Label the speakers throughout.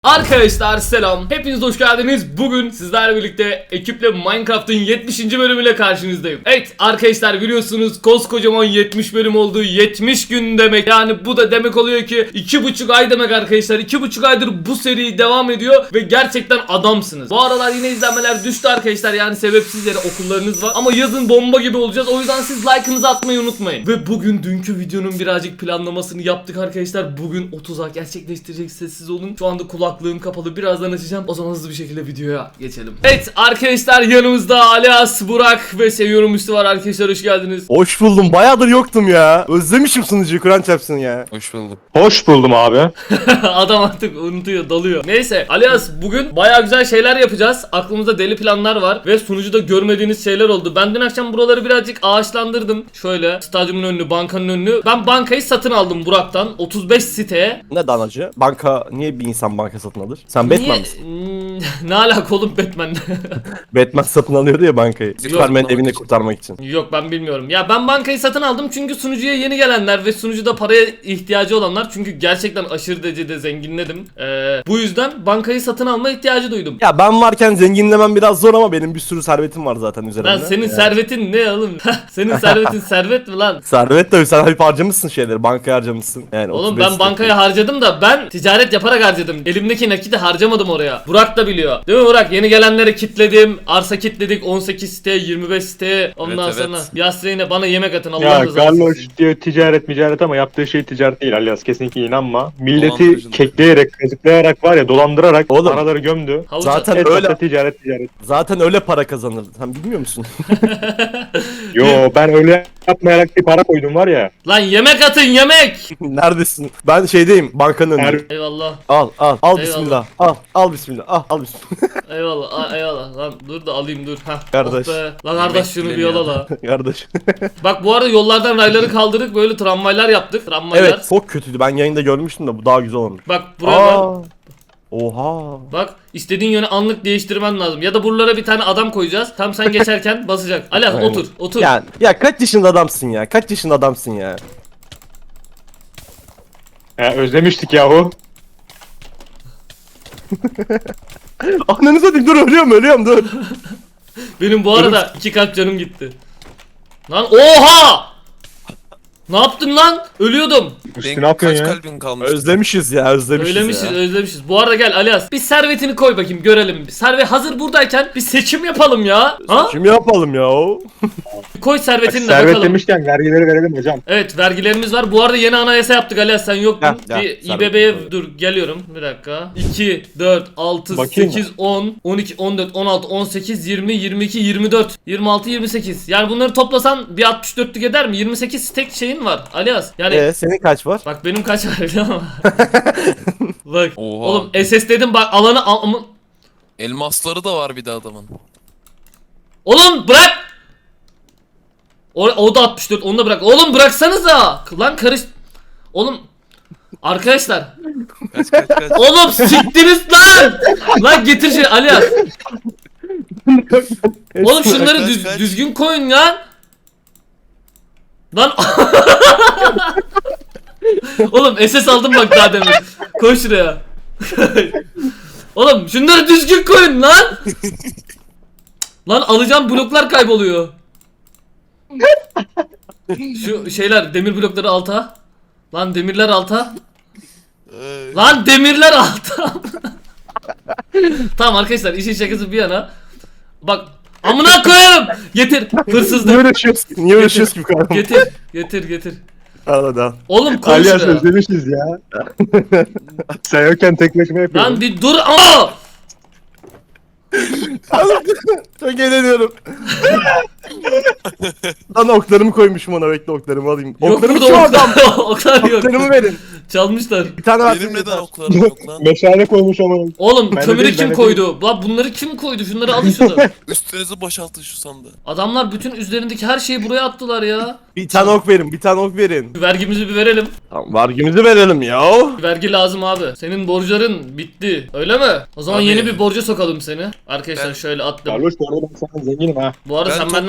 Speaker 1: Arkadaşlar selam. Hepiniz hoş geldiniz. Bugün sizlerle birlikte ekiple Minecraft'ın 70. bölümüyle karşınızdayım. Evet arkadaşlar biliyorsunuz koskocaman 70 bölüm oldu. 70 gün demek. Yani bu da demek oluyor ki 2,5 ay demek arkadaşlar. 2,5 aydır bu seri devam ediyor ve gerçekten adamsınız. Bu aralar yine izlenmeler düştü arkadaşlar. Yani sebepsiz yere okullarınız var. Ama yazın bomba gibi olacağız. O yüzden siz like'ınızı atmayı unutmayın. Ve bugün dünkü videonun birazcık planlamasını yaptık arkadaşlar. Bugün 30'a gerçekleştirecek, sessiz olun. Şu anda kulaklığım kapalı, birazdan açacağım. O zaman hızlı bir şekilde videoya geçelim. Evet arkadaşlar yanımızda Alias, Burak ve Seviyorum Üstü var arkadaşlar, hoş geldiniz.
Speaker 2: Hoş buldum. Bayağıdır yoktum ya. Özlemişim sunucuyu, Kur'an çarpsın ya.
Speaker 3: Hoş bulduk.
Speaker 4: Hoş buldum abi.
Speaker 1: Adam artık unutuyor, dalıyor. Neyse Alias, bugün baya güzel şeyler yapacağız. Aklımızda deli planlar var ve sunucuda görmediğiniz şeyler oldu. Ben dün akşam buraları birazcık ağaçlandırdım. Şöyle stadyumun önünü, bankanın önünü. Ben bankayı satın aldım Burak'tan 35 siteye.
Speaker 2: Ne danacı? Banka, niye bir insan banka satın alır? Sen Batman misin?
Speaker 1: Ne alaka oğlum Batman'le?
Speaker 2: Batman satın alıyordu ya bankayı. Superman'in evini
Speaker 3: için.
Speaker 2: kurtarmak için.
Speaker 1: Yok ben bilmiyorum. Ya ben bankayı satın aldım çünkü sunucuya yeni gelenler ve sunucuda paraya ihtiyacı olanlar, çünkü gerçekten aşırı derecede zenginledim. Bu yüzden bankayı satın alma ihtiyacı duydum.
Speaker 2: Ya ben varken zenginlemem biraz zor ama benim bir sürü servetim var zaten üzerimde.
Speaker 1: Lan senin
Speaker 2: Yani.
Speaker 1: servetin ne oğlum? Senin servetin servet mi lan?
Speaker 2: Servet tabii, sen hep harcamışsın şeyleri, bankaya harcamışsın. Yani
Speaker 1: Oğlum
Speaker 2: 35
Speaker 1: ben bankaya harcadım da ben ticaret yaparak harcadım. Elimdeki nakiti harcamadım oraya. Burak da biliyor. Değil mi Burak? Yeni gelenleri kitledim. Arsa kitledik 18 siteye, 25 siteye. Ondan
Speaker 3: Evet,
Speaker 1: sonra
Speaker 3: evet.
Speaker 1: Yasreyn'e bana yemek atın Allah
Speaker 4: Ya
Speaker 1: rızası
Speaker 4: Garloş
Speaker 1: için.
Speaker 4: diyor ticaret ama yaptığı şey ticaret değil Alias, kesinlikle inanma. Milleti
Speaker 3: Dolandırıcılık.
Speaker 4: kekleyerek, kazıklayarak var ya, dolandırarak
Speaker 2: Oğlum,
Speaker 4: paraları gömdü.
Speaker 1: Havuç
Speaker 2: zaten
Speaker 4: Etrafta
Speaker 2: öyle
Speaker 4: ticaret.
Speaker 2: zaten öyle para kazanır. Sen bilmiyor musun?
Speaker 4: Yo, ben öyle yapmayarak bir para koydum var ya.
Speaker 1: Lan yemek atın yemek.
Speaker 2: Neredesin? Ben şeydeyim, bankanın önünde.
Speaker 1: Eyvallah.
Speaker 2: Al
Speaker 1: Eyvallah.
Speaker 2: bismillah. Al bismillah. Al bismillah.
Speaker 1: Eyvallah. Eyvallah. Lan dur da alayım dur. Hah.
Speaker 2: Kardeş.
Speaker 1: Oh be. Lan kardeş şunu bir yola la.
Speaker 2: Kardeş.
Speaker 1: Bak bu arada yollardan rayları kaldırdık, böyle tramvaylar yaptık. Tramvaylar.
Speaker 2: Evet, çok kötüydü. Ben yayında görmüştüm de bu daha güzel olmuş.
Speaker 1: Bak buraya ben.
Speaker 2: Oha.
Speaker 1: Bak istediğin yöne anlık değiştirmen lazım. Ya da buralara bir tane adam koyacağız. Tam sen geçerken basacak. Alias
Speaker 2: Aynen.
Speaker 1: otur.
Speaker 2: Ya kaç yaşında adamsın ya? Kaç yaşında adamsın ya?
Speaker 4: Özlemiştik yahu.
Speaker 2: Ananı satayım, dur ölüyorum dur.
Speaker 1: Benim bu arada 2 kalp canım gitti. Lan oha! Ne yaptın lan? Ölüyordum.
Speaker 4: Üstü ne yapıyorsun
Speaker 3: Kaç
Speaker 4: ya?
Speaker 3: kalbin kalmış?
Speaker 2: Özlemişiz ya.
Speaker 1: Özlemişiz. Bu arada gel Alias. Bir servetini koy bakayım görelim. Servet hazır buradayken bir seçim yapalım ya. Ha?
Speaker 2: Kim yapalım ya o?
Speaker 1: Koy servetini de
Speaker 4: Servet
Speaker 1: bakalım.
Speaker 4: demişken vergileri verelim hocam.
Speaker 1: Evet vergilerimiz var. Bu arada yeni anayasa yaptık Alias, sen yoktun.
Speaker 2: Ya,
Speaker 1: Bir
Speaker 2: servet.
Speaker 1: İBB'ye dur geliyorum bir dakika. 2, 4, 6,
Speaker 4: Bakayım
Speaker 1: 8, 10, 12, 14, 16, 18, 20, 22, 24, 26, 28. Yani bunları toplasan bir 64'lük eder mi? 28 tek şeyin var Alias. Yani
Speaker 2: Senin kaç var?
Speaker 1: bak benim kaç var biliyor musun? Bak
Speaker 3: Oha.
Speaker 1: oğlum SS dedim bak alanı
Speaker 3: Elmasları da var bir de adamın.
Speaker 1: Oğlum bırak. O da 64, onu da bırak. Oğlum bıraksanıza. Lan karış. Oğlum arkadaşlar.
Speaker 3: Kaç.
Speaker 1: Oğlum siktiniz lan. Lan getir şey Alias. Oğlum şunları
Speaker 3: Kaç.
Speaker 1: düzgün koyun ya. Lan oğlum SS aldım bak daha demin. Koy şuraya. Oğlum şunları düzgün koyun lan. Lan alacağım bloklar kayboluyor. Şu şeyler, demir blokları alta. Lan demirler alta. Lan demirler alta. Tamam arkadaşlar, işin şakası bir yana. Bak amına koyarım. Getir hırsızlık.
Speaker 2: Niye uğraşıyoruz ki bu kadar?
Speaker 1: Getir.
Speaker 2: Al hadi al.
Speaker 1: Oğlum koy
Speaker 4: Alias
Speaker 1: şuraya.
Speaker 4: özlemişiz ya. Sen yokken tek başıma yapıyorum.
Speaker 1: Lan bir dur ama.
Speaker 2: Çok eğleniyorum. Lan oklarımı koymuşum ona, bekle oklarımı alayım.
Speaker 1: Yok
Speaker 2: Oklarımı
Speaker 1: burada
Speaker 2: kim adam?
Speaker 1: oklar yok.
Speaker 2: Oklarımı verin.
Speaker 1: Çalmışlar.
Speaker 2: Bir tane
Speaker 3: Benim
Speaker 2: versene.
Speaker 3: neden oklarım yok lan?
Speaker 4: Meşale koymuş ama.
Speaker 1: Oğlum
Speaker 4: Ben de
Speaker 1: kömürü
Speaker 4: değil,
Speaker 1: kim
Speaker 4: ben de
Speaker 1: koydu? Lan bunları kim koydu? Şunları alın şunu.
Speaker 3: Üstünüzü boşaltın şu sandığı.
Speaker 1: Adamlar bütün üzerindeki her şeyi buraya attılar ya.
Speaker 2: Bir tane ok verin.
Speaker 1: Vergimizi bir verelim.
Speaker 2: Tamam, vergimizi verelim ya.
Speaker 1: Vergi lazım abi. Senin borçların bitti. Öyle mi? O zaman
Speaker 3: Abi.
Speaker 1: yeni bir borca sokalım seni. Arkadaşlar
Speaker 3: Ben-
Speaker 1: şöyle attım.
Speaker 4: Garloş bu arada ben sana zenginim ha.
Speaker 1: Bu arada
Speaker 3: Ben
Speaker 1: sen benden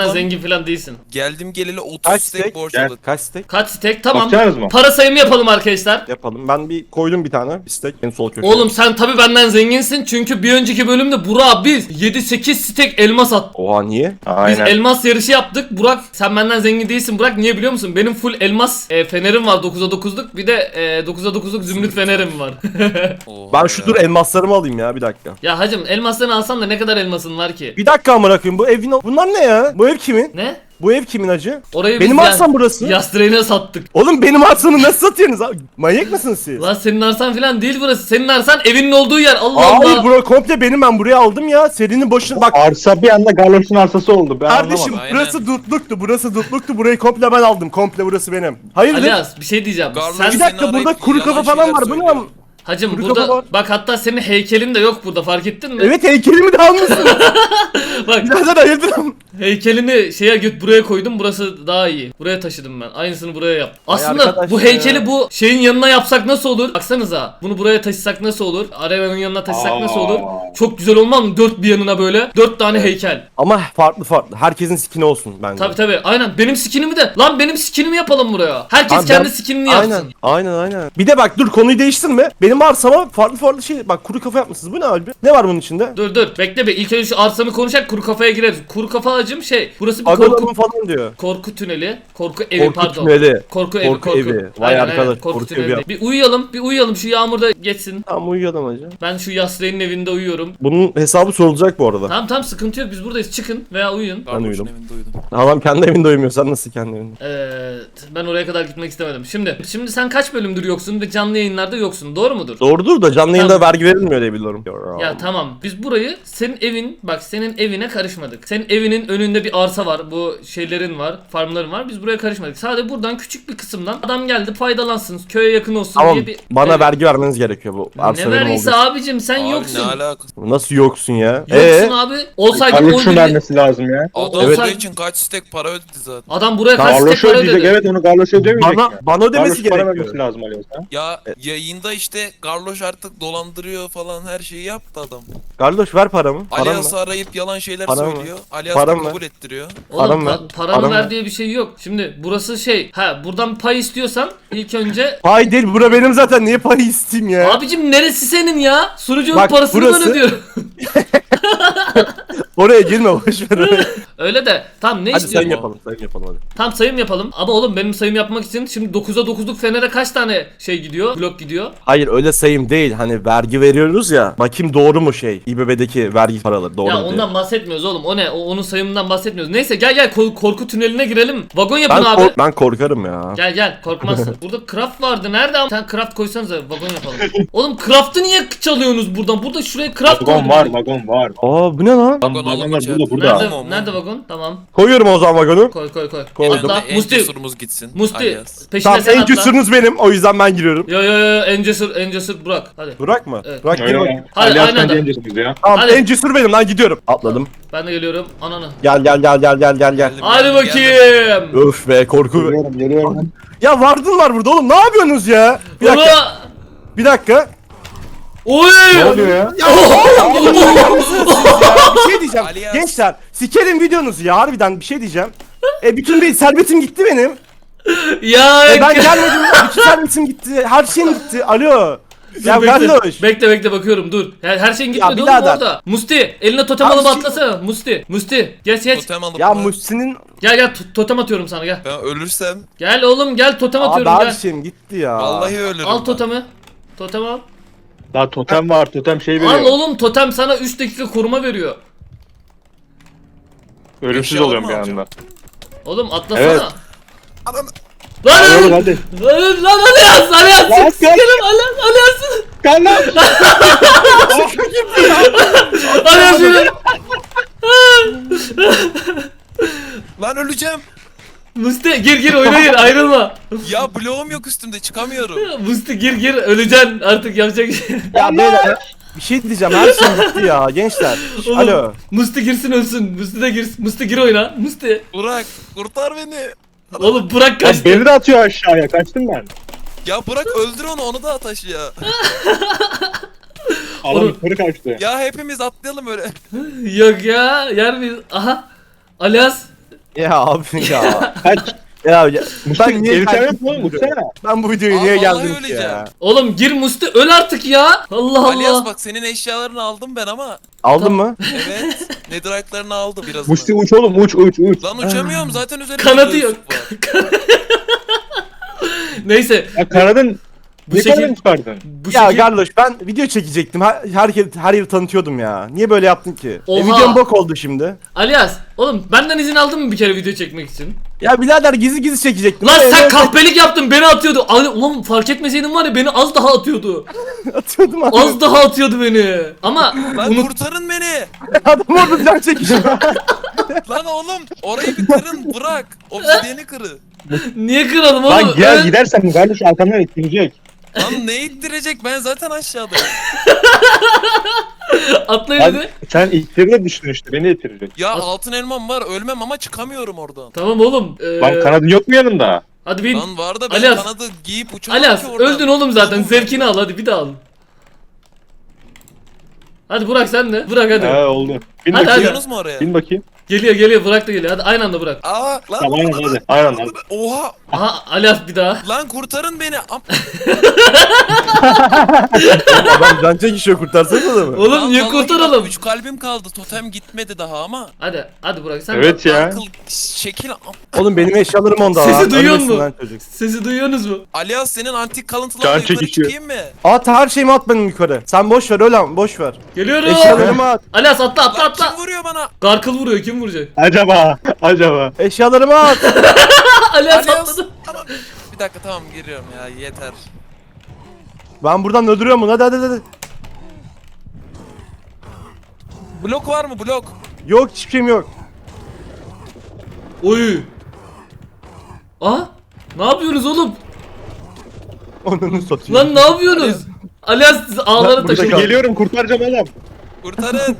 Speaker 1: benden
Speaker 3: Vagon.
Speaker 1: zengin falan değilsin.
Speaker 3: Geldim geleli 30
Speaker 2: Kaç
Speaker 3: steak
Speaker 2: tek?
Speaker 3: borç
Speaker 4: Gel.
Speaker 3: aldık.
Speaker 2: Kaç stek?
Speaker 1: Kaç stek? Tamam.
Speaker 4: Bakacaksınız mı?
Speaker 1: Para sayımı yapalım arkadaşlar.
Speaker 2: Yapalım. Ben bir koydum bir tane. Bir stek en sol köşeye.
Speaker 1: Oğlum sen tabi benden zenginsin çünkü bir önceki bölümde Burak biz 7-8 stek elmas attık.
Speaker 2: Oha niye?
Speaker 1: Biz
Speaker 4: Aynen.
Speaker 1: elmas yarışı yaptık. Burak sen benden zengin değilsin. Burak niye biliyor musun? Benim full elmas fenerim var 9'a 9'luk. Bir de 9'a 9'luk zümrüt fenerim var.
Speaker 3: Oha
Speaker 2: Ben şu
Speaker 3: ya.
Speaker 2: dur elmaslarımı alayım ya bir dakika.
Speaker 1: Ya hacım elmaslarını alsan da ne kadar elmasın var ki?
Speaker 2: Bir dakika amına koyayım bu evin bunlar ne ya? Bu ev kimin?
Speaker 1: Ne?
Speaker 2: Bu ev kimin acı?
Speaker 1: Orayı
Speaker 2: Benim
Speaker 1: biz
Speaker 2: arsam burası.
Speaker 1: Yastreğine sattık.
Speaker 2: Oğlum benim arsamı nasıl satıyorsunuz abi? Manyak mısınız siz?
Speaker 1: Lan senin arsan falan değil burası. Senin arsan evinin olduğu yer. Allah
Speaker 2: Hayır
Speaker 1: Allah.
Speaker 2: bura komple benim, ben buraya aldım ya. Serinin başına bak.
Speaker 4: Arsa bir anda Garloş'un arsası oldu. Ben
Speaker 2: Kardeşim
Speaker 4: anlamadım.
Speaker 3: Aynen.
Speaker 2: burası dutluktu, burayı komple ben aldım, komple burası benim. Hayırdır?
Speaker 1: Alias bir şey diyeceğim.
Speaker 3: Garloş
Speaker 1: Sen
Speaker 2: Bir dakika
Speaker 3: Seni
Speaker 2: burada
Speaker 3: arayıp
Speaker 2: kuru
Speaker 3: yalan
Speaker 2: kafa falan
Speaker 3: şeyler
Speaker 2: var, bu ne
Speaker 3: söylüyor.
Speaker 2: lan?
Speaker 1: hacım
Speaker 2: Kuru
Speaker 1: burada
Speaker 2: kafa var.
Speaker 1: bak hatta senin heykelin de yok burada fark ettin mi?
Speaker 2: Evet heykelimi de almışsın.
Speaker 1: Bak
Speaker 2: Birader hayırdır?
Speaker 1: heykelini buraya koydum. Burası daha iyi. Buraya taşıdım ben. Aynısını buraya yap. Aslında
Speaker 2: arkadaş
Speaker 1: bu
Speaker 2: ya.
Speaker 1: heykeli bu şeyin yanına yapsak nasıl olur? Baksanıza. Bunu buraya taşısak nasıl olur? Arenanın yanına taşısak nasıl olur? Çok güzel olmaz mı? Dört bir yanına böyle. 4 tane heykel.
Speaker 2: Ama farklı. Herkesin skini olsun bence.
Speaker 1: Tabi aynen. Benim skinimi de. Lan benim skinimi yapalım buraya. Herkes
Speaker 2: Abi
Speaker 1: kendi
Speaker 2: ben-
Speaker 1: skinini yapsın.
Speaker 2: Aynen. Bir de bak dur konuyu değiştirme. Benim arsama farklı şey. Bak kuru kafa yapmışsınız. Bu ne abi? Ne var bunun içinde?
Speaker 1: Dur bekle be. İlk önce şu arsamı konuşak kuru kafaya gireriz. Kuru kafa acım şey. Burası bir
Speaker 2: Agalımın falan diyor.
Speaker 1: korku tüneli. Korku evi
Speaker 2: Korku
Speaker 1: pardon.
Speaker 2: tüneli.
Speaker 1: Korku evi.
Speaker 2: Korku evi. Vay arkadaş,
Speaker 1: Korku
Speaker 2: korku
Speaker 1: tüneli.
Speaker 2: evi.
Speaker 1: Bir uyuyalım. Şu yağmurda geçsin.
Speaker 2: Tamam uyuyalım hacı.
Speaker 1: Ben şu Yasre'nin evinde uyuyorum.
Speaker 2: Bunun hesabı sorulacak bu arada.
Speaker 1: Tamam sıkıntı yok. Biz buradayız. Çıkın veya uyuyun.
Speaker 3: Garloş'un
Speaker 2: uyudum.
Speaker 3: evinde uyudum.
Speaker 2: Adam kendi evinde uyumuyor. Sen nasıl kendi evinde?
Speaker 1: Ben oraya kadar gitmek istemedim. Şimdi sen kaç bölümdür yoksun ve canlı yayınlarda yoksun. Doğru mudur?
Speaker 2: Doğrudur da canlı yayında
Speaker 1: Tamam.
Speaker 2: vergi verilmiyor diye biliyorum.
Speaker 1: Ya tamam. Biz burayı senin evine karışmadık. Senin evinin önünde bir arsa var. Bu şeylerin var. Farmların var. Biz buraya karışmadık. Sadece buradan küçük bir kısımdan adam geldi faydalansın. Köye yakın olsun
Speaker 2: Tamam
Speaker 1: diye bir...
Speaker 2: bana
Speaker 1: Evet.
Speaker 2: vergi vermeniz gerekiyor bu. Arsa
Speaker 1: Ne
Speaker 2: benim
Speaker 1: vergisi
Speaker 2: olduğu
Speaker 1: abicim sen
Speaker 3: Abi
Speaker 1: yoksun.
Speaker 3: ne alakası?
Speaker 2: için. Nasıl yoksun ya?
Speaker 1: Yoksun abi. Olsaydı
Speaker 4: Garloş'un
Speaker 1: 11
Speaker 4: vermesi lazım ya.
Speaker 3: Adam
Speaker 2: Evet.
Speaker 3: buraya için kaç steak para ödedi zaten.
Speaker 1: Adam buraya kaç tek
Speaker 4: Garloş
Speaker 1: para
Speaker 4: ödeyecek.
Speaker 1: ödedi.
Speaker 4: Evet onu Garloş ödemeyecek
Speaker 2: Bana
Speaker 4: ya.
Speaker 2: bana ödemesi
Speaker 4: Garloş para
Speaker 2: gerekiyor.
Speaker 4: vermesi lazım Alias ha.
Speaker 3: Ya yayında işte Garloş artık dolandırıyor falan her şeyi yaptı adam.
Speaker 2: Kardeş ver paramı. Param
Speaker 3: Alias'ı
Speaker 2: mı?
Speaker 3: arayıp yalan şeyler
Speaker 2: Param mı?
Speaker 3: söylüyor. Alias da
Speaker 2: Param mı?
Speaker 3: kabul ettiriyor.
Speaker 1: Oğlum
Speaker 2: Param ver.
Speaker 1: paranı
Speaker 2: Param
Speaker 1: ver
Speaker 2: ver.
Speaker 1: diye bir şey yok. Şimdi burası şey. Buradan pay istiyorsan ilk önce
Speaker 2: Pay değil, bura benim zaten. Niye pay isteyeyim ya?
Speaker 1: abicim neresi senin ya? Sunucunun
Speaker 2: Bak,
Speaker 1: parasını
Speaker 2: burası-
Speaker 1: ben ödüyorum.
Speaker 2: Oraya girme boş ver oraya.
Speaker 1: Öyle de tam ne
Speaker 2: Hadi
Speaker 1: istiyorsun?
Speaker 2: sayım yapalım hadi.
Speaker 1: Tam sayım yapalım. Ama oğlum benim sayım yapmak için şimdi 9'a 9'luk fenere kaç tane şey gidiyor? Blok gidiyor.
Speaker 2: Hayır öyle sayım değil. Hani vergi veriyoruz ya. Bakayım doğru mu şey? İBB'deki vergi paraları doğru
Speaker 1: Ya
Speaker 2: mu diye.
Speaker 1: ondan bahsetmiyoruz oğlum. O ne? Onun sayımından bahsetmiyoruz. Neyse gel korku tüneline girelim. Vagon yapın abi.
Speaker 2: Ben korkarım ya.
Speaker 1: Gel korkmazsın. Burada craft vardı. Nerede ama? Sen craft koysanıza vagon yapalım. Oğlum craft'ı niye çalıyorsunuz buradan? Burada şuraya craft
Speaker 4: Vagon
Speaker 1: koydum.
Speaker 4: var, vagon var.
Speaker 2: Aa bu ne lan?
Speaker 3: Vagon
Speaker 4: Vagonlar
Speaker 3: alalım
Speaker 4: burada,
Speaker 3: içeride.
Speaker 4: burada.
Speaker 1: Nerede,
Speaker 3: Tamam,
Speaker 1: nerede
Speaker 3: tamam.
Speaker 1: vagon? Tamam.
Speaker 2: Koyuyorum o zaman vagonu.
Speaker 1: Koy.
Speaker 2: Koydum.
Speaker 1: Atla.
Speaker 3: En
Speaker 1: Musti.
Speaker 3: cesurumuz gitsin.
Speaker 1: Musti.
Speaker 3: Alias.
Speaker 1: Peşine
Speaker 2: Tamam
Speaker 1: sen
Speaker 2: en
Speaker 1: atla.
Speaker 2: cesurunuz benim. O yüzden ben giriyorum.
Speaker 1: Yo en cesur Burak. Hadi.
Speaker 2: Burak mı?
Speaker 1: Evet.
Speaker 2: Burak gir
Speaker 4: Öyle
Speaker 2: bakayım.
Speaker 4: ya.
Speaker 1: Hadi,
Speaker 4: Alias
Speaker 1: aynen
Speaker 4: bence
Speaker 1: de.
Speaker 4: en cesurumuz ya.
Speaker 2: Tamam
Speaker 1: Hadi.
Speaker 2: en cesur benim lan gidiyorum. Atladım.
Speaker 1: Ben de geliyorum. Ananı.
Speaker 2: Gel.
Speaker 3: Geldim,
Speaker 1: Hadi
Speaker 3: geldim,
Speaker 1: bakayım.
Speaker 2: Öf be korku.
Speaker 4: Geliyorum.
Speaker 2: Ya vardın var burada oğlum. Ne yapıyorsunuz ya? Bir dakika.
Speaker 1: Ulan!
Speaker 2: Bir dakika.
Speaker 1: Oy!
Speaker 4: Ne oluyor ya?
Speaker 2: Ya oğlum bir şey diyeceğim.
Speaker 3: Alias.
Speaker 2: Gençler sikerim videonuzu ya harbiden bir şey diyeceğim. Bütün bir servetim gitti benim.
Speaker 1: Ya
Speaker 2: Ben gelmedim. Bütün servetim gitti. Her şeyim gitti. Alo. Ya kardeş.
Speaker 1: Bekle bakıyorum dur. Her şeyin gitmedi oğlum
Speaker 2: birader.
Speaker 1: orada. Musti eline totem
Speaker 2: Abi
Speaker 1: alıp
Speaker 2: şey-
Speaker 1: atlasana. Musti geç.
Speaker 3: Totem alıp
Speaker 2: Ya
Speaker 3: mı?
Speaker 2: Muhsin'in
Speaker 1: Gel totem atıyorum sana gel.
Speaker 3: Ben ölürsem
Speaker 1: Gel oğlum gel totem
Speaker 2: abi
Speaker 1: atıyorum
Speaker 2: her
Speaker 1: gel.
Speaker 2: şeyim gitti ya.
Speaker 3: vallahi ölürüm.
Speaker 1: Al
Speaker 3: ben.
Speaker 1: totemi. Totem al.
Speaker 4: Daha totem var, totem şey veriyor.
Speaker 1: Al oğlum totem sana 3 dakika koruma veriyor.
Speaker 4: Ölümsüz
Speaker 3: Eşya
Speaker 4: oluyorum
Speaker 3: mı
Speaker 4: bir
Speaker 3: alacağım?
Speaker 4: anda.
Speaker 1: Oğlum atlasana.
Speaker 2: Evet.
Speaker 3: Adam
Speaker 2: Hadi oğlum
Speaker 1: Lan
Speaker 2: hadi.
Speaker 1: lan Alias
Speaker 4: Lan,
Speaker 1: sikerim Alias.
Speaker 4: Gel lan.
Speaker 1: Alias yürü.
Speaker 3: lan öleceğim.
Speaker 1: Musti gir oyuna gir ayrılma.
Speaker 3: Ya bloğum yok üstümde çıkamıyorum.
Speaker 1: Musti gir öleceksin artık yapacak bir şey.
Speaker 2: Ya beyler bir şey diyeceğim her şeyim gitti ya gençler.
Speaker 1: Oğlum,
Speaker 2: Alo.
Speaker 1: Musti girsin ölsün. Musti de girsin. Musti gir oyuna. Musti.
Speaker 3: Burak kurtar beni.
Speaker 1: Oğlum bırak
Speaker 4: Ya
Speaker 1: kaçtı.
Speaker 4: beni de atıyor aşağıya, kaçtım ben.
Speaker 3: Ya bırak öldür onu da ataş ya.
Speaker 4: Adam
Speaker 1: Oğlum.
Speaker 4: yukarı kaçtı.
Speaker 3: Ya hepimiz atlayalım öyle.
Speaker 1: Yok ya yer miyiz? Aha. Alias
Speaker 2: Ya abi ya.
Speaker 4: Kaç.
Speaker 2: Ya
Speaker 4: Musti
Speaker 2: ben niye
Speaker 4: elbisen
Speaker 2: geldim
Speaker 4: yok mu oğlum? Mutsana.
Speaker 2: Ben bu videoya
Speaker 3: Aa,
Speaker 2: niye
Speaker 3: vallahi
Speaker 2: geldim ki
Speaker 3: öleceğim.
Speaker 2: ya?
Speaker 1: Oğlum gir Musti öl artık ya. Allah
Speaker 3: Alias
Speaker 1: Allah.
Speaker 3: bak senin eşyalarını aldım ben ama.
Speaker 2: Aldın mı?
Speaker 3: Evet. Netherite'larını aldı biraz.
Speaker 4: Musti uç oğlum uç.
Speaker 3: Lan uçamıyorum zaten üzerinde
Speaker 1: Kanadı
Speaker 3: göğüslük
Speaker 1: yok.
Speaker 3: var.
Speaker 1: Neyse
Speaker 4: Ya kanadın
Speaker 1: bu
Speaker 4: ne
Speaker 1: şekil
Speaker 4: kanadını çıkardın?
Speaker 1: bu
Speaker 2: Ya
Speaker 1: şekil
Speaker 2: Garloş ben video çekecektim. Her yeri tanıtıyordum ya. Niye böyle yaptın ki?
Speaker 1: Oha.
Speaker 2: Videom bok oldu şimdi.
Speaker 1: Alias oğlum benden izin aldın mı bir kere video çekmek için?
Speaker 2: Ya birader gizli çekecektim.
Speaker 1: Lan
Speaker 2: Ama
Speaker 1: sen
Speaker 2: evde
Speaker 1: kahpelik yaptın beni atıyordu. Ulan fark etmeseydin var ya beni az daha atıyordu.
Speaker 2: atıyordum abi.
Speaker 1: Az daha atıyordu beni. Ama
Speaker 3: Lan
Speaker 1: unut
Speaker 3: kurtarın beni.
Speaker 2: Adam orada can çekişiyor.
Speaker 3: Lan oğlum orayı bir kırın bırak. Obsidiyeni kırı.
Speaker 1: niye kıralım oğlum?
Speaker 4: Lan gel
Speaker 1: Öl.
Speaker 4: gidersen bu kardeş arkamdan etkilecek.
Speaker 3: Lan ne ittirecek ben zaten aşağıdayım.
Speaker 1: Atla
Speaker 4: Lan
Speaker 1: hadi.
Speaker 4: sen ittirine düştün işte beni ittirecek.
Speaker 3: Ya
Speaker 1: At-
Speaker 3: altın elmam var ölmem ama çıkamıyorum oradan.
Speaker 1: Tamam oğlum.
Speaker 4: Lan kanadın yok mu yanında?
Speaker 1: Hadi bin.
Speaker 3: Lan var da ben
Speaker 1: Alias.
Speaker 3: kanadı giyip uçamam
Speaker 1: Alias
Speaker 3: ki oradan.
Speaker 1: öldün oğlum zaten.
Speaker 3: Oğlum,
Speaker 1: Zevkini al hadi bir daha al. Hadi Burak sen de. Burak hadi.
Speaker 4: He oldu. Bin
Speaker 1: Hadi,
Speaker 4: bakayım.
Speaker 1: hadi.
Speaker 3: Gidiyorsunuz mu oraya?
Speaker 4: Bin bakayım.
Speaker 1: Geliyor Burak da geliyor. Hadi aynı anda Burak.
Speaker 3: Aa lan.
Speaker 4: Tamam hadi. Aynen hadi.
Speaker 3: Oha.
Speaker 1: Aha Alias bir daha.
Speaker 3: Lan kurtarın beni.
Speaker 2: Adam can çekişiyor kurtarsanız da mı?
Speaker 1: Oğlum niye kurtaralım?
Speaker 3: 3 kalbim kaldı. Totem gitmedi daha ama.
Speaker 1: Hadi Burak sen
Speaker 4: Evet ya.
Speaker 3: Akıl şekil.
Speaker 2: Oğlum benim eşyalarım onda.
Speaker 1: Sesi
Speaker 2: lan.
Speaker 1: duyuyor
Speaker 2: Ölmesin
Speaker 1: mu?
Speaker 2: lan çocuk.
Speaker 1: Sesi duyuyorsunuz mu?
Speaker 3: Alias senin antik kalıntılarla
Speaker 4: Can
Speaker 3: yukarı
Speaker 4: çekişiyor.
Speaker 3: çıkayım mı?
Speaker 2: At her şeyimi at benim yukarı. Sen boş ver öyle boş ver.
Speaker 1: Geliyorum.
Speaker 2: Eşyalarımı at.
Speaker 1: Alias atla
Speaker 3: Lan
Speaker 1: atla.
Speaker 3: kim vuruyor bana?
Speaker 1: Garkıl vuruyor kim vuracak?
Speaker 4: Acaba.
Speaker 2: Eşyalarımı at.
Speaker 1: Alias
Speaker 3: Alias.
Speaker 1: atladı.
Speaker 3: Tamam. Bir dakika tamam giriyorum ya yeter.
Speaker 2: Ben buradan öldürüyorum bunu hadi.
Speaker 3: Blok var mı blok?
Speaker 2: Yok hiçbir şeyim yok.
Speaker 1: Oy. Ne yapıyorsunuz oğlum?
Speaker 2: Onu satayım.
Speaker 1: Lan ne yapıyorsunuz? Alias ağlara
Speaker 2: burada
Speaker 1: taşıyor.
Speaker 2: kal.
Speaker 4: Geliyorum kurtaracağım oğlum.
Speaker 3: Kurtarın.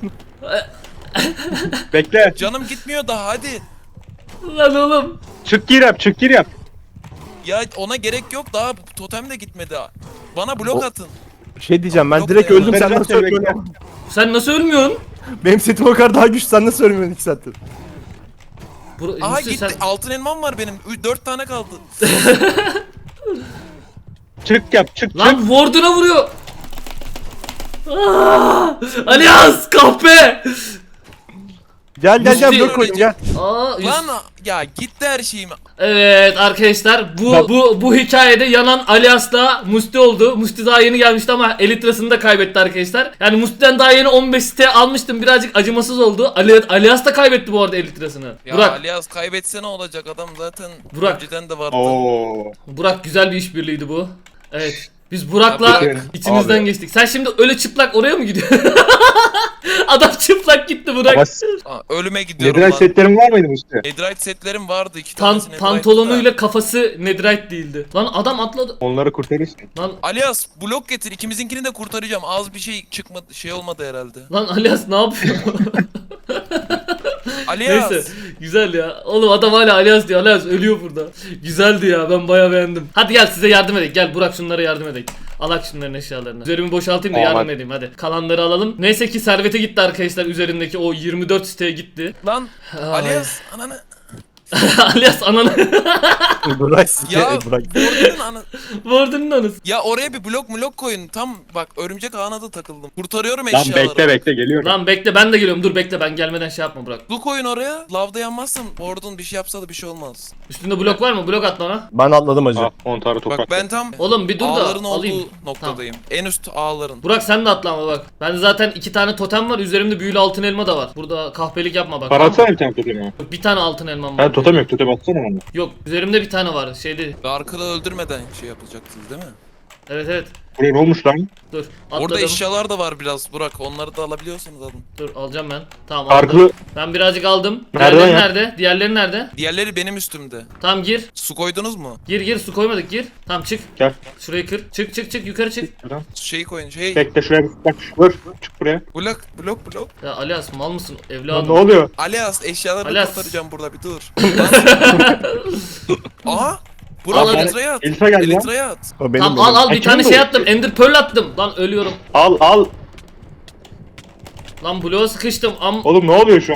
Speaker 4: Bekle.
Speaker 3: Canım gitmiyor daha hadi.
Speaker 1: Lan oğlum.
Speaker 4: Çık gir yap.
Speaker 3: Ya ona gerek yok daha totem de gitmedi. Bana blok atın.
Speaker 2: Bir şey diyeceğim ben
Speaker 3: Yok
Speaker 2: direkt
Speaker 3: ya.
Speaker 2: öldüm sen
Speaker 4: Kurtaracağım
Speaker 2: nasıl
Speaker 4: seni,
Speaker 2: ölmüyorsun?
Speaker 1: Sen nasıl ölmüyorsun?
Speaker 2: Benim setim o kadar daha güçlü sen nasıl ölmüyorsun 2 saattir?
Speaker 3: Aha
Speaker 1: Musti,
Speaker 3: gitti.
Speaker 1: sen...
Speaker 3: Altın elmam var benim. 4 tane kaldı.
Speaker 4: Çık.
Speaker 1: Lan Warden'a vuruyor. Alias kahpe.
Speaker 2: Gel
Speaker 1: Musti-
Speaker 2: blok koyayım gel.
Speaker 3: Lan ya gitti her şeyim.
Speaker 1: Evet arkadaşlar
Speaker 4: Bak-
Speaker 1: bu hikayede yanan Alias'la Musti oldu. Musti daha yeni gelmişti ama Elitra'sını da kaybetti arkadaşlar. Yani Musti'den daha yeni 15 site almıştım. Birazcık acımasız oldu. Alias da kaybetti bu arada Elitra'sını.
Speaker 3: Ya
Speaker 1: Burak,
Speaker 3: Alias kaybetse ne olacak adam zaten
Speaker 1: Burak.
Speaker 3: önceden de vardı.
Speaker 4: Oo.
Speaker 1: Burak güzel bir işbirliğiydi bu. Evet. Biz Burak'la
Speaker 3: Tabii.
Speaker 1: içimizden
Speaker 2: Abi.
Speaker 1: geçtik. Sen şimdi öyle çıplak oraya mı gidiyorsun? Adam çıplak gitti Burak.
Speaker 4: Ama
Speaker 3: Ölüme gidiyorum
Speaker 4: neden
Speaker 3: lan.
Speaker 4: setlerin var mıydı Musti?
Speaker 3: Netherite setlerim vardı 2 tanesi Netherite'da.
Speaker 1: Pantolonuyla kafası netherite değildi. Lan adam atladı.
Speaker 4: Onları kurtarırsın.
Speaker 1: Lan
Speaker 3: Alias blok getir ikimizinkini de kurtaracağım. Az bir şey çıkmadı şey olmadı herhalde.
Speaker 1: Lan Alias ne yapıyor?
Speaker 3: Alias.
Speaker 1: Neyse güzel ya. Oğlum adam hala Alias diyor. Alias ölüyor burada. Güzeldi ya ben bayağı beğendim. Hadi gel size yardım edelim. Gel Burak şunlara yardım edelim. Alak şunların eşyalarını. Üzerimi boşaltayım da
Speaker 4: Tamam,
Speaker 1: yardım
Speaker 4: hadi.
Speaker 1: edeyim hadi. Kalanları alalım. Neyse ki servete gitti arkadaşlar üzerindeki o 24 siteye gitti.
Speaker 3: Lan
Speaker 1: Ay.
Speaker 3: Alias ananı.
Speaker 1: Alias ananı.
Speaker 2: Bırak
Speaker 3: Ya
Speaker 2: bırak.
Speaker 3: Warden'ın anı.
Speaker 1: Warden'ın anısı.
Speaker 3: Ya oraya bir blok koyun. Tam bak örümcek ağına da takıldım. Kurtarıyorum
Speaker 4: Lan
Speaker 3: eşyaları.
Speaker 4: bekle geliyorum.
Speaker 1: Lan bekle ben de geliyorum. Dur bekle ben gelmeden şey yapma Burak.
Speaker 3: Su koyun oraya. Lavda yanmazsın. Warden bir şey yapsa da bir şey olmaz.
Speaker 1: Üstünde blok var mı? Blok at bana.
Speaker 2: Ben atladım acı.
Speaker 4: Ah 10 tane toprak.
Speaker 3: Bak ben tam
Speaker 1: Oğlum bir dur da
Speaker 3: ağların
Speaker 1: alayım.
Speaker 3: olduğu noktadayım. En üst ağların.
Speaker 1: Burak sen de atlama bak. Bende zaten 2 tane totem var. Üzerimde büyülü altın elma da var. Burada kahpelik yapma bak.
Speaker 4: Para atsana bir tane totemi.
Speaker 1: Bir tane altın elmam var.
Speaker 4: Ha totem yok totem atsana bana.
Speaker 1: Yok üzerimde bir tane var. Şeyde.
Speaker 3: Arkada öldürmeden şey yapacaksınız değil mi?
Speaker 1: Evet.
Speaker 4: Buraya ne olmuş lan?
Speaker 1: Dur.
Speaker 3: Orada
Speaker 1: Atladım.
Speaker 3: eşyalar da var biraz Burak. Onları da alabiliyorsunuz alın.
Speaker 1: Dur alacağım ben. Tamam aldım.
Speaker 4: Farklı.
Speaker 1: Ben birazcık aldım.
Speaker 4: Nereden
Speaker 1: Diğerleri
Speaker 4: ya?
Speaker 1: nerede? Diğerleri nerede?
Speaker 3: Diğerleri benim üstümde.
Speaker 1: Tamam gir.
Speaker 3: Su koydunuz mu?
Speaker 1: Gir su koymadık gir. Tamam çık.
Speaker 4: Gel.
Speaker 1: Şurayı kır. Çık yukarı çık.
Speaker 4: Buradan.
Speaker 3: Şeyi koyun. Şey.
Speaker 4: Bekle şuraya bak. Vur. Çık buraya.
Speaker 3: Blok.
Speaker 1: Ya Alias mal mısın
Speaker 4: Lan
Speaker 1: evladım?
Speaker 4: ne oluyor?
Speaker 3: Alias eşyalarını
Speaker 1: Alias.
Speaker 3: kurtaracağım burada bir dur. Lan. Aha. Burak
Speaker 1: Al, al.
Speaker 3: Elitra'ya at.
Speaker 4: Elitra geldi lan.
Speaker 3: Elitra'ya at.
Speaker 2: O benim
Speaker 1: Tamam
Speaker 2: benim.
Speaker 1: al bir
Speaker 4: Kim
Speaker 1: tane
Speaker 4: bu?
Speaker 1: şey attım. Ender Pearl attım. Lan ölüyorum.
Speaker 4: Al.
Speaker 1: Lan bloğa sıkıştım.
Speaker 4: Oğlum ne oluyor şu an?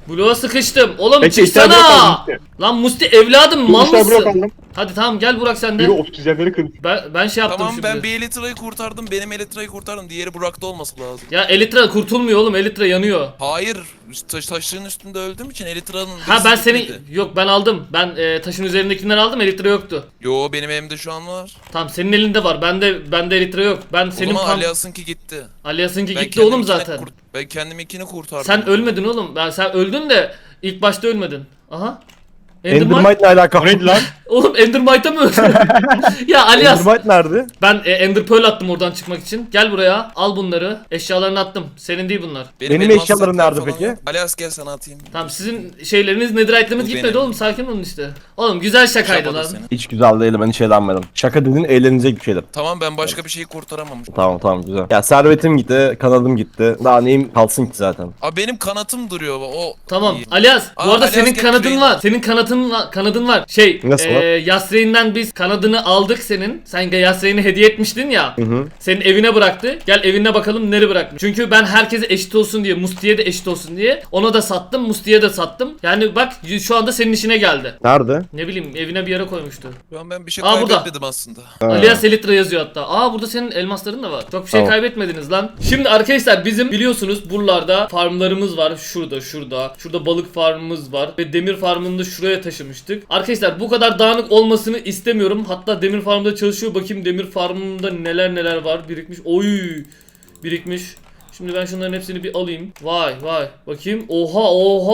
Speaker 1: Bloğa sıkıştım. Oğlum
Speaker 4: Peki, işte blok
Speaker 1: çıksana.
Speaker 4: aldım işte.
Speaker 1: Lan Musti evladım mal
Speaker 4: Sonuçta blok
Speaker 1: mısın?
Speaker 4: aldım.
Speaker 1: Hadi tamam gel Burak sen
Speaker 4: Biri
Speaker 1: de.
Speaker 4: obsidyenleri kırdı.
Speaker 1: Ben şey yaptım
Speaker 3: Tamam
Speaker 1: şimdi.
Speaker 3: ben bir Elytra'yı kurtardım. Benim Elytra'yı kurtardım. Diğeri Burak'ta olması lazım.
Speaker 1: Ya Elytra kurtulmuyor oğlum. Elytra yanıyor.
Speaker 3: Hayır. Taşların üstünde öldüğüm için Elytra'nın...
Speaker 1: Ha ben
Speaker 3: birisi
Speaker 1: seni
Speaker 3: gitmedi.
Speaker 1: yok ben aldım. Ben taşın üzerindekinden aldım. Elytra yoktu.
Speaker 3: Yo benim elimde şu an var.
Speaker 1: Tamam senin elinde var. Bende Elytra yok. Ben
Speaker 3: O
Speaker 1: senin
Speaker 3: zaman Alias'ınki gitti.
Speaker 1: Alias'ınki
Speaker 3: Ben
Speaker 1: gitti oğlum
Speaker 3: kendimkini
Speaker 1: zaten.
Speaker 3: Ben kendiminkini kurtardım.
Speaker 1: Sen ölmedin oğlum. Sen öldün de ilk başta ölmedin. Aha. Endermite.
Speaker 2: Endermite ne alaka?
Speaker 4: O neydi lan?
Speaker 1: Oğlum Endermite'a mı öldün? Ya Alias.
Speaker 2: Endermite nerede?
Speaker 1: Ben Ender Pearl attım oradan çıkmak için. Gel buraya. Al bunları. Eşyalarını attım. Senin değil bunlar.
Speaker 2: Benim
Speaker 3: elmas
Speaker 2: eşyalarım
Speaker 3: setler
Speaker 2: nerede
Speaker 3: falan
Speaker 2: peki?
Speaker 3: yok. Alias gel sana atayım.
Speaker 1: Tamam sizin şeyleriniz netherite'leriniz
Speaker 3: Bu
Speaker 1: gitmedi
Speaker 3: benim.
Speaker 1: oğlum. Sakin olun işte. Oğlum güzel şakaydı
Speaker 3: Şapadı
Speaker 1: lan.
Speaker 3: seni.
Speaker 2: Hiç güzel değil, ben hiç eğlenmedim. Şaka dediğin eğlenecek bir şeyler.
Speaker 3: Tamam ben başka bir şeyi kurtaramamışım.
Speaker 2: Tamam güzel. Ya servetim gitti, kanadım gitti. Daha neyim kalsın ki zaten.
Speaker 3: Abi benim kanatım duruyor. O
Speaker 1: Tamam.
Speaker 3: iyi.
Speaker 1: Alias, bu
Speaker 3: Aa,
Speaker 1: arada
Speaker 3: Alias
Speaker 1: senin
Speaker 3: gel
Speaker 1: kanadın
Speaker 3: şuraya.
Speaker 1: var. Senin kanadın var.
Speaker 2: Nasıl var?
Speaker 1: Yasreyn'den biz kanadını aldık senin. Sen Yasreyn'i hediye etmiştin ya.
Speaker 2: Hı.
Speaker 1: Senin evine bıraktı. Gel evine bakalım nereye bırakmış. Çünkü ben herkese eşit olsun diye, Musti'ye de eşit olsun diye ona da sattım, Musti'ye de sattım. Yani bak şu anda senin işine geldi.
Speaker 2: Nerede?
Speaker 1: Ne bileyim evine bir yere koymuştu.
Speaker 3: Şu an ben bir şey
Speaker 1: Aa, burada.
Speaker 3: kaybetmedim aslında.
Speaker 2: Ha.
Speaker 1: Alias Elytra yazıyor hatta. Aa burada senin elmasların da var. Çok bir şey
Speaker 2: Tamam.
Speaker 1: kaybetmediniz lan. Şimdi arkadaşlar bizim biliyorsunuz buralarda farmlarımız var. Şurada. Şurada balık farmımız var. Ve demir farmını da şuraya taşımıştık. Arkadaşlar bu kadar dağınık olmasını istemiyorum. Hatta demir farmda çalışıyor. Bakayım demir farmında neler var. Birikmiş. Oy. Birikmiş. Şimdi ben şunların hepsini bir alayım. Vay. Bakayım. Oha.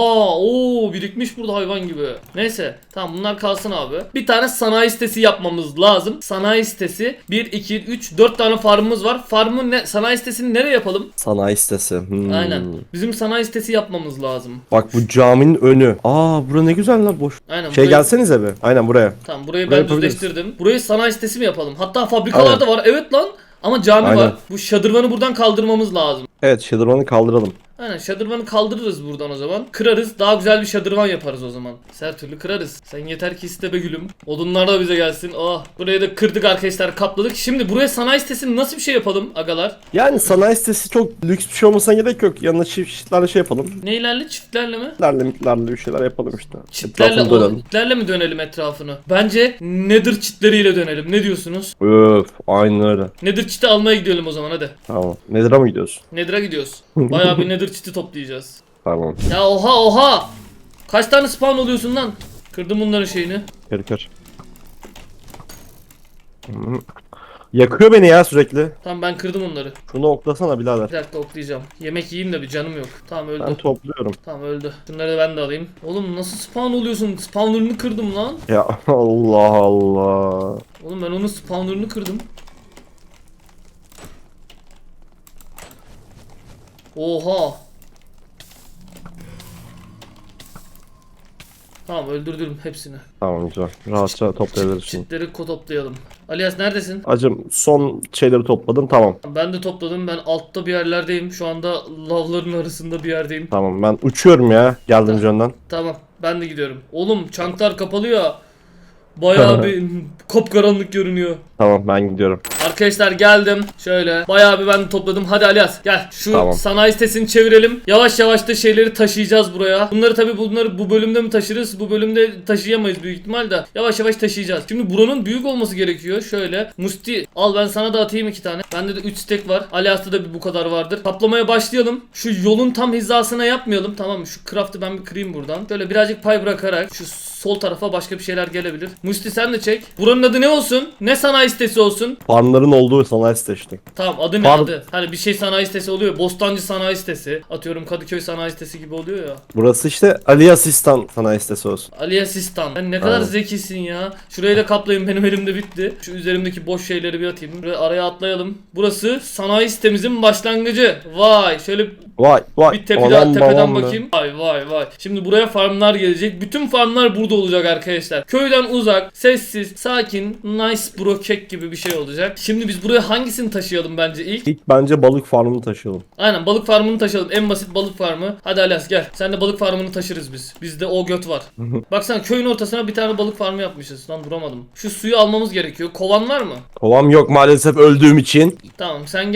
Speaker 1: Oo birikmiş burada hayvan gibi. Neyse. Tamam bunlar kalsın abi. Bir tane sanayi sitesi yapmamız lazım. Sanayi sitesi 1, 2, 3, 4 tane farmımız var. Sanayi sitesini nereye yapalım?
Speaker 2: Sanayi sitesi.
Speaker 1: Aynen. Bizim sanayi sitesi yapmamız lazım.
Speaker 2: Bak bu caminin önü. Aa bura ne güzel lan, boş.
Speaker 1: Aynen.
Speaker 2: Gelsenize be. Aynen buraya.
Speaker 1: Tamam burayı
Speaker 2: Burayı
Speaker 1: ben
Speaker 2: yapabiliriz.
Speaker 1: düzleştirdim. Burayı sanayi sitesi mi yapalım? Hatta fabrikalar da var. Evet lan. Ama cami
Speaker 2: Aynen.
Speaker 1: var. Bu şadırvanı buradan kaldırmamız lazım.
Speaker 2: Evet, şadırvanı kaldıralım.
Speaker 1: Aynen şadırvanı kaldırırız buradan o zaman. Kırarız. Daha güzel bir şadırvan yaparız o zaman. Her türlü kırarız. Sen yeter ki iste be gülüm. Odunlar da bize gelsin. Oh. Burayı da kırdık arkadaşlar, kapladık. Şimdi buraya sanayi sitesini nasıl bir şey yapalım agalar?
Speaker 2: Yani sanayi sitesi çok lüks bir şey olmasına gerek yok. Yanına çiftlerle şey yapalım.
Speaker 1: Neylerle? Çiftlerle mi?
Speaker 2: Mitlerle bir şeyler yapalım işte.
Speaker 1: Çitlerle,
Speaker 2: Etrafını dönelim.
Speaker 1: çitlerle mi dönelim etrafını? Bence Nether çitleriyle dönelim. Ne diyorsunuz?
Speaker 2: Öf, aynen öyle.
Speaker 1: Nether çiti almaya gidelim o zaman hadi.
Speaker 2: Tamam. Nether'a mı gidiyorsun?
Speaker 1: Nether'a gidiyoruz. Bayağı bir Nether çiti toplayacağız.
Speaker 2: Tamam.
Speaker 1: Ya oha! Kaç tane spawn oluyorsun lan? Kırdım bunların şeyini.
Speaker 2: Kır. Yakıyor beni ya sürekli.
Speaker 1: Tamam ben kırdım onları.
Speaker 2: Şunu oklasana birader.
Speaker 1: Bir dakika oklayacağım. Yemek yiyeyim de bir canım yok. Tamam öldü.
Speaker 2: Ben topluyorum.
Speaker 1: Tamam öldü. Şunları da ben de alayım. Oğlum nasıl spawn oluyorsun? Spawner'ını kırdım lan.
Speaker 2: Ya Allah Allah.
Speaker 1: Oğlum ben onun spawner'ını kırdım. Oha. Tamam öldürdüm hepsini.
Speaker 2: Tamam güzel. Rahatça toplayabiliriz şimdi.
Speaker 1: Çitleri toplayalım. Alias neredesin?
Speaker 2: Acım son şeyleri topladım, tamam.
Speaker 1: Ben de topladım. Ben altta bir yerlerdeyim. Şu anda lavların arasında bir yerdeyim.
Speaker 2: Tamam ben uçuyorum ya geldiğimiz yönden.
Speaker 1: Tamam. Ben de gidiyorum. Oğlum çanklar kapalı ya. Bayağı bir kapkaranlık görünüyor.
Speaker 2: Tamam ben gidiyorum.
Speaker 1: Arkadaşlar geldim. Şöyle bayağı bir ben topladım. Hadi Alias gel. Şu
Speaker 2: Tamam.
Speaker 1: sanayi sitesini çevirelim. Yavaş yavaş da şeyleri taşıyacağız buraya. Bunları bu bölümde mi taşırız? Bu bölümde taşıyamayız büyük ihtimal de. Yavaş yavaş taşıyacağız. Şimdi buranın büyük olması gerekiyor. Şöyle. Musti al ben sana da atayım 2 tane. Bende de 3 stek var. Alias'ta da bu kadar vardır. Kaplamaya başlayalım. Şu yolun tam hizasına yapmayalım. Tamam mı? Şu craft'ı ben bir kırayım buradan. Şöyle birazcık pay bırakarak şu sol tarafa başka bir şeyler gelebilir. Musti sen de çek. Buranın adı ne olsun? Ne sanayi sitesi olsun?
Speaker 2: Farmların olduğu sanayi sitesi işte.
Speaker 1: Tamam adı ne
Speaker 2: Farm-
Speaker 1: adı? Hani bir şey sanayi sitesi oluyor. Bostancı sanayi sitesi. Atıyorum Kadıköy sanayi sitesi gibi oluyor ya.
Speaker 2: Burası işte Ali Asistan sanayi sitesi olsun.
Speaker 1: Ali Asistan. Sen ne kadar
Speaker 2: Aynen.
Speaker 1: zekisin ya. Şurayı da kaplayın, benim elimde bitti. Şu üzerimdeki boş şeyleri bir atayım. Buraya araya atlayalım. Burası sanayi sitemizin başlangıcı. Vay şöyle
Speaker 2: Vay
Speaker 1: bir tepeden bakayım. Vay. Şimdi buraya farmlar gelecek. Bütün farmlar burada olacak arkadaşlar. Köyden uzak, sessiz, sakin, nice bro kek gibi bir şey olacak. Şimdi biz buraya hangisini taşıyalım bence ilk?
Speaker 2: İlk bence balık farmını taşıyalım.
Speaker 1: Aynen balık farmını taşıyalım. En basit balık farmı. Hadi Alas gel. Sen de balık farmını taşırız biz. Bizde o göt var. Baksana köyün ortasına bir tane balık farmı yapmışız. Lan duramadım. Şu suyu almamız gerekiyor. Kovan var mı?
Speaker 2: Kovam yok maalesef öldüğüm için.
Speaker 1: Tamam sen gel.
Speaker 3: Boş.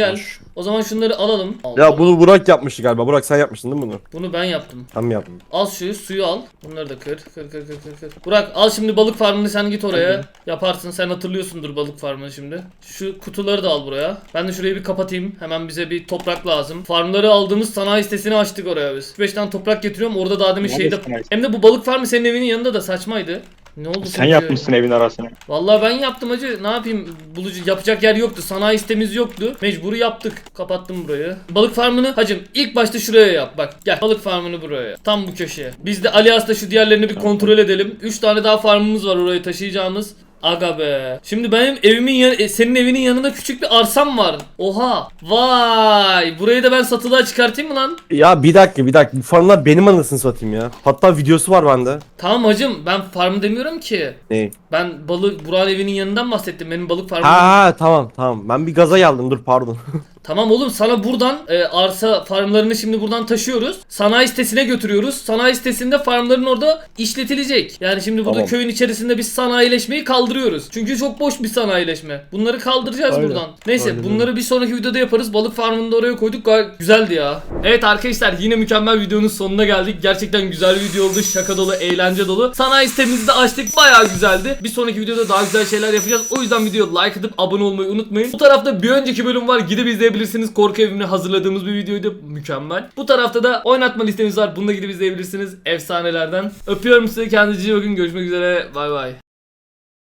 Speaker 1: O zaman şunları alalım. Allah.
Speaker 2: Ya bunu Burak yapmıştı galiba. Burak sen yapmıştın değil mi bunu?
Speaker 1: Bunu ben yaptım.
Speaker 2: Ben mi yaptım?
Speaker 1: Al suyu al. Bunları da kır. Kır. Burak al şimdi balık farmını, sen git oraya. Yaparsın, sen hatırlıyorsundur balık farmını şimdi. Şu kutuları da al buraya. Ben de şurayı bir kapatayım. Hemen bize bir toprak lazım. Farmları aldığımız sanayi sitesini açtık oraya biz. 5 tane toprak getiriyorum. Orada daha demin
Speaker 4: Nerede
Speaker 1: şeyde...
Speaker 4: sanayi?
Speaker 1: Hem de bu balık farmı senin evinin yanında da saçmaydı. Ne oldu?
Speaker 4: Sen
Speaker 1: peki?
Speaker 4: yapmışsın evin arasını.
Speaker 1: Vallahi ben yaptım hacı. Ne yapayım? Yapacak yer yoktu. Sanayi sitemiz yoktu. Mecburi yaptık. Kapattım burayı. Balık farmını hacım ilk başta şuraya yap. Bak gel. Balık farmını buraya yap. Tam bu köşeye. Biz de Alias'ta şu diğerlerini bir kontrol edelim. 3 tane daha farmımız var oraya taşıyacağımız. Aga be. Şimdi benim evimin senin evinin yanında küçük bir arsam var. Oha. Vay. Burayı da ben satılığa çıkartayım mı lan?
Speaker 2: Ya bir dakika. Bu farmlar benim anasını satayım ya. Hatta videosu var bende.
Speaker 1: Tamam hacım, ben farm demiyorum ki.
Speaker 2: Ne?
Speaker 1: Ben Burak'ın evinin yanından bahsettim. Benim balık farmım.
Speaker 2: Ha tamam. Ben bir gaza geldim, dur pardon.
Speaker 1: Tamam oğlum, sana buradan arsa farmlarını şimdi buradan taşıyoruz. Sanayi sitesine götürüyoruz. Sanayi sitesinde farmların orada işletilecek. Yani şimdi burada
Speaker 2: Tamam.
Speaker 1: köyün içerisinde biz sanayileşmeyi kaldırıyoruz. Çünkü çok boş bir sanayileşme. Bunları kaldıracağız
Speaker 2: Aynen.
Speaker 1: buradan. Neyse
Speaker 2: Aynen
Speaker 1: bunları bir sonraki videoda yaparız. Balık farmını da oraya koyduk. Gayet güzeldi ya. Evet arkadaşlar, yine mükemmel videonun sonuna geldik. Gerçekten güzel bir video oldu. Şaka dolu, eğlence dolu. Sanayi sitemizi de açtık. Bayağı güzeldi. Bir sonraki videoda daha güzel şeyler yapacağız. O yüzden videoya like atıp abone olmayı unutmayın. Bu tarafta bir önceki bölüm var. Gidip izleyebilirsiniz. Korku evimini hazırladığımız bir videoydu. Mükemmel. Bu tarafta da oynatma listemiz var. Bunu da gidip izleyebilirsiniz. Efsanelerden. Öpüyorum sizi. Kendinize iyi bakın. Görüşmek üzere. Bay bay.